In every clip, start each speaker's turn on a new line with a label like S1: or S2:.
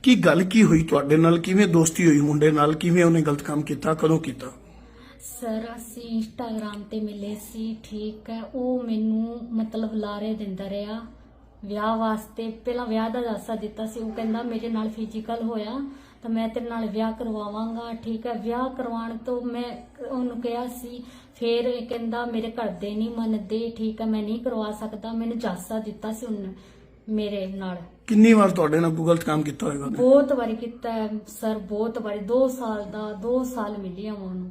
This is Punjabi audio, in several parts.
S1: ਕੀ ਗੱਲ ਕੀ ਹੋਈ ਤੁਹਾਡੇ ਨਾਲ? ਕਿਵੇਂ ਦੋਸਤੀ ਹੋਈ ਮੁੰਡੇ ਨਾਲ? ਕਿਵੇਂ ਉਹਨੇ ਗਲਤ ਕੰਮ ਕੀਤਾ? ਕਦੋਂ ਕੀਤਾ?
S2: ਸਰ ਅਸੀਂ ਇੰਸਟਾਗ੍ਰਾਮ ਤੇ ਮਿਲੇ ਸੀ, ਠੀਕ ਹੈ। ਉਹ ਮੈਨੂੰ ਮਤਲਬ ਲਾਰੇ ਦਿੰਦਾ ਰਿਹਾ ਵਿਆਹ ਵਾਸਤੇ। ਪਹਿਲਾਂ ਵਿਆਹ ਦਾ ਦਾਸਾ ਦਿੱਤਾ ਸੀ। ਉਹ ਕਹਿੰਦਾ ਮੇਰੇ ਨਾਲ ਫਿਜ਼ੀਕਲ ਹੋਇਆ ਤਾਂ ਮੈਂ ਤੇਰੇ ਨਾਲ ਵਿਆਹ ਕਰਵਾਵਾਂਗਾ, ਠੀਕ ਹੈ। ਵਿਆਹ ਕਰਵਾਉਣ ਤੋਂ ਮੈਂ ਉਹਨੂੰ ਕਿਹਾ ਸੀ, ਫਿਰ ਇਹ ਕਹਿੰਦਾ ਮੇਰੇ ਘਰ ਦੇ ਨਹੀਂ ਮੰਨਦੇ, ਠੀਕ ਹੈ, ਮੈਂ ਨਹੀਂ ਕਰਵਾ ਸਕਦਾ। ਮੈਨੂੰ ਦਾਸਾ ਦਿੱਤਾ ਸੀ ਉਹਨੇ ਮੇਰੇ ਨਾਲ।
S1: ਕਿੰਨੀ ਵਾਰ ਤੁਹਾਡੇ ਨਾਲ ਕੋਈ ਗਲਤ ਕੰਮ ਕੀਤਾ ਹੋਏਗਾ ਉਹਨੇ?
S2: ਬਹੁਤ ਵਾਰੀ ਕੀਤਾ ਹੈ ਸਰ, ਬਹੁਤ ਵਾਰੀ। 2 ਸਾਲ ਮਿਲੀ ਆ ਉਹਨੂੰ।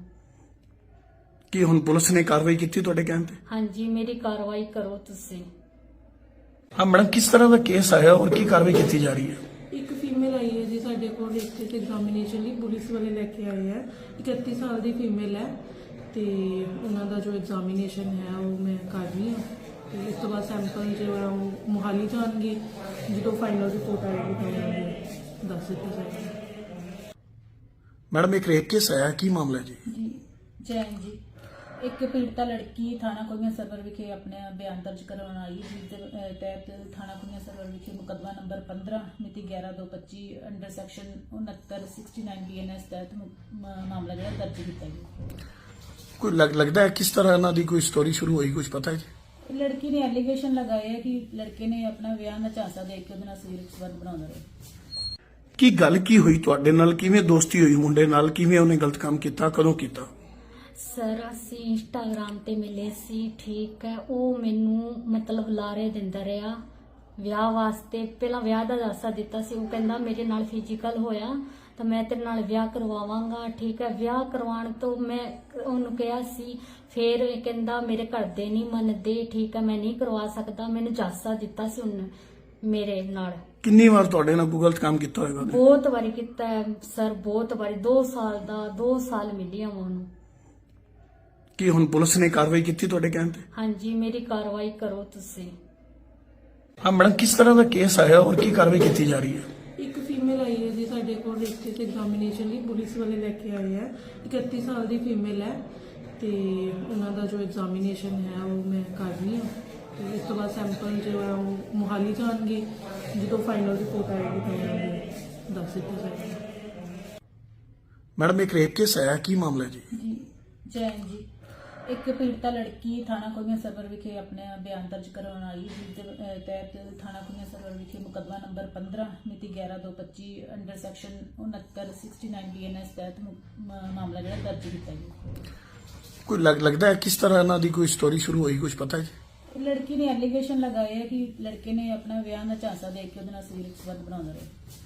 S1: ਕੀ ਹੁਣ ਪੁਲਿਸ ਨੇ ਕਾਰਵਾਈ ਕੀਤੀ ਤੁਹਾਡੇ ਕਹਿਣ ਤੇ?
S2: ਹਾਂਜੀ, ਮੇਰੀ ਕਾਰਵਾਈ ਕਰੋ ਤੁਸੀਂ।
S1: ਹਾਂ ਮੈਡਮ, ਕਿਸ ਤਰ੍ਹਾਂ ਦਾ ਕੇਸ ਆਇਆ ਔਰ ਕੀ ਕਾਰਵਾਈ ਕੀਤੀ ਜਾ ਰਹੀ ਹੈ?
S3: ਇੱਕ ਫੀਮੇਲ ਆਈ ਹੈ ਜੀ ਸਾਡੇ ਕੋਲ ਇੱਥੇ ਤੇ ਐਗਜ਼ਾਮੀਨੇਸ਼ਨ ਲਈ ਪੁਲਿਸ ਵਾਲੇ ਲੈ ਕੇ ਆਏ ਹੈ। 31 ਸਾਲ ਦੀ ਫੀਮੇਲ ਹੈ ਤੇ ਉਹਨਾਂ ਦਾ ਜੋ ਐਗਜ਼ਾਮੀਨੇਸ਼ਨ ਹੈ ਉਹ ਮੈਂ ਕਰ ਰਹੀ ਹਾਂ ਤੇ ਇਸ ਤੋਂ ਬਾਅਦ ਸੈਂਪਲ ਜੋ ਹੈ ਉਹ ਮੁਹਾਲੀ ਜਾਣਗੇ। ਜਦੋਂ ਫਾਈਨਲ ਰਿਪੋਰਟ ਆਏਗੀ ਤਾਂ ਉਹਨਾਂ ਦੱਸ ਦਿੱਤਾ ਜਾਏਗਾ।
S1: ਮੈਡਮ, ਇੱਕ ਰੇਪ ਕੇਸ ਆਇਆ, ਕੀ ਮਾਮਲਾ ਹੈ ਜੀ?
S4: ਜੀ ਜੈਨ ਜੀ, ਇੱਕ ਪੀੜਤਾ ਲੜਕੀ ਥਾਣਾ ਕੁੜੀਆਂ ਸਰਵਰ ਵਿਖੇ ਆਪਣੇ ਬਿਆਨ ਦਰਜ ਕਰਵਾਉਣ ਆਈ, ਜਿਸ ਦੇ ਤਹਿਤ ਥਾਣਾ ਕੁੜੀਆਂ ਸਰਵਰ ਵਿਖੇ ਮੁਕੱਦਮਾ ਨੰਬਰ 15 ਮਿਤੀ 11/2/25 ਅੰਡਰ ਸੈਕਸ਼ਨ 6969 BNS ਤਹਿਤ ਮਾਮਲਾ ਜਿਹੜਾ ਦਰਜ ਕੀਤਾ ਗਿਆ।
S1: ਕੋਈ ਲੱਗਦਾ ਹੈ ਕਿਸ ਤਰ੍ਹਾਂ ਇਹਨਾਂ ਦੀ ਕੋਈ ਸਟੋਰੀ ਸ਼ੁਰੂ ਹੋਈ, ਕੁਝ ਪਤਾ ਹੈ ਜੀ?
S4: ਲੜਕੀ ਨੇ ਐਲੀਗੇਸ਼ਨ ਲਗਾਏ ਹੈ ਕਿ ਲੜਕੇ ਨੇ ਆਪਣਾ ਵਿਆਹ ਦਾ ਝਾਂਸਾ ਦੇ ਕੇ ਉਹਦੇ ਨਾਲ ਸਰੀਰਕ ਸੰਬੰਧ ਬਣਾਉਂਦਾ ਰਿਹਾ।
S1: ਕੀ ਗੱਲ ਕੀ ਹੋਈ ਤੁਹਾਡੇ ਨਾਲ? ਕਿਵੇਂ ਦੋਸਤੀ ਹੋਈ ਮੁੰਡੇ ਨਾਲ? ਕਿਵੇਂ ਉਹਨੇ ਗਲਤ ਕੰਮ ਕੀਤਾ? ਕਦੋਂ ਕੀਤਾ?
S2: ਸਰ ਅਸੀਂ ਇੰਸਟਾਗ੍ਰਾਮ ਤੇ ਮਿਲੇ ਸੀ, ਠੀਕ ਹੈ। ਉਹ ਮੈਨੂੰ ਮਤਲਬ ਲਾਰੇ ਦਿੰਦਾ ਰਿਹਾ ਵਿਆਹ ਵਾਸਤੇ। ਪਹਿਲਾਂ ਵਿਆਹ ਦਾ ਦਾਸਾ ਦਿੱਤਾ ਸੀ। ਉਹ ਕਹਿੰਦਾ ਮੇਰੇ ਨਾਲ ਫਿਜ਼ੀਕਲ ਹੋਇਆ ਤਾਂ ਮੈਂ ਤੇਰੇ ਨਾਲ ਵਿਆਹ ਕਰਵਾਵਾਂਗਾ, ਠੀਕ ਹੈ। ਵਿਆਹ ਕਰਵਾਉਣ ਤੋਂ ਮੈਂ ਉਹਨੂੰ ਕਿਹਾ ਸੀ, ਫਿਰ ਇਹ ਕਹਿੰਦਾ ਮੇਰੇ ਘਰ ਦੇ ਨਹੀਂ ਮੰਨਦੇ, ਠੀਕ ਹੈ, ਮੈਂ ਨਹੀਂ ਕਰਵਾ ਸਕਦਾ। ਮੈਨੂੰ ਦਾਸਾ ਦਿੱਤਾ ਸੀ ਉਹਨੇ ਮੇਰੇ ਨਾਲ।
S1: ਕਿੰਨੀ ਵਾਰ ਤੁਹਾਡੇ ਨਾਲ ਕੋਈ ਗਲਤ ਕੰਮ ਕੀਤਾ ਹੋਏਗਾ ਉਹਨੇ?
S2: ਬਹੁਤ ਵਾਰੀ ਕੀਤਾ ਹੈ ਸਰ, ਬਹੁਤ ਵਾਰੀ। 2 ਸਾਲ ਮਿਲੀ ਆ ਉਹਨੂੰ।
S1: ਕੀ ਹੁਣ ਪੁਲਿਸ ਨੇ ਕਾਰਵਾਈ ਕੀਤੀ ਤੁਹਾਡੇ ਕਹਿਣ ਤੇ?
S2: ਹਾਂਜੀ, ਮੇਰੀ ਕਾਰਵਾਈ ਕਰੋ ਤੁਸੀਂ।
S1: ਹਾਂ ਮੈਡਮ, ਕਿਸ ਤਰ੍ਹਾਂ ਦਾ ਕੇਸ ਆਇਆ ਔਰ ਕੀ ਕਾਰਵਾਈ ਕੀਤੀ ਜਾ ਰਹੀ ਹੈ?
S3: ਇੱਕ ਫੀਮੇਲ ਆਈ ਹੈ ਜੀ ਸਾਡੇ ਕੋਲ ਇੱਥੇ ਤੇ ਐਗਜ਼ਾਮੀਨੇਸ਼ਨ ਲਈ ਪੁਲਿਸ ਵਾਲੇ ਲੈ ਕੇ ਆਏ ਹੈ। 31 ਸਾਲ ਦੀ ਫੀਮੇਲ ਹੈ ਤੇ ਉਹਨਾਂ ਦਾ ਜੋ ਐਗਜ਼ਾਮੀਨੇਸ਼ਨ ਹੈ ਉਹ ਮੈਂ ਕਰ ਰਹੀ ਹਾਂ ਤੇ ਇਸ ਤੋਂ ਬਾਅਦ ਸੈਂਪਲ ਜੋ ਹੈ ਉਹ ਮੁਹਾਲੀ ਜਾਣਗੇ। ਜਦੋਂ ਫਾਈਨਲ ਰਿਪੋਰਟ ਆਏਗੀ ਤਾਂ ਉਹਨਾਂ ਦੱਸ ਦਿੱਤਾ ਜਾਏਗਾ।
S1: ਮੈਡਮ, ਇੱਕ ਰੇਪ ਕੇਸ ਆਇਆ, ਕੀ ਮਾਮਲਾ ਹੈ ਜੀ?
S4: ਜੀ ਜੈਨ ਜੀ, ਇੱਕ ਪੀੜਤਾ ਲੜਕੀ ਥਾਣਾ ਕੁੜੀਆਂ ਸਰਵਰ ਵਿਖੇ ਆਪਣੇ ਬਿਆਨ ਦਰਜ ਕਰਵਾਉਣ ਆਈ, ਜਿਸ ਦੇ ਤਹਿਤ ਥਾਣਾ ਕੁੜੀਆਂ ਸਰਵਰ ਵਿਖੇ ਮੁਕੱਦਮਾ ਨੰਬਰ 15 ਮਿਤੀ 11/2/25 ਅੰਡਰ ਸੈਕਸ਼ਨ 6969 BNS ਤਹਿਤ ਮਾਮਲਾ ਜਿਹੜਾ ਦਰਜ ਕੀਤਾ ਗਿਆ।
S1: ਕੋਈ ਲੱਗਦਾ ਹੈ ਕਿਸ ਤਰ੍ਹਾਂ ਇਹਨਾਂ ਦੀ ਕੋਈ ਸਟੋਰੀ ਸ਼ੁਰੂ ਹੋਈ, ਕੁਝ ਪਤਾ ਹੈ ਜੀ?
S4: ਲੜਕੀ ਨੇ ਐਲੀਗੇਸ਼ਨ ਲਗਾਏ ਹੈ ਕਿ ਲੜਕੇ ਨੇ ਆਪਣਾ ਵਿਆਹ ਦਾ ਝਾਂਸਾ ਦੇ ਕੇ ਉਹਦੇ ਨਾਲ ਸਰੀਰਕ ਸੰਬੰਧ ਬਣਾਉਂਦਾ ਰਿਹਾ।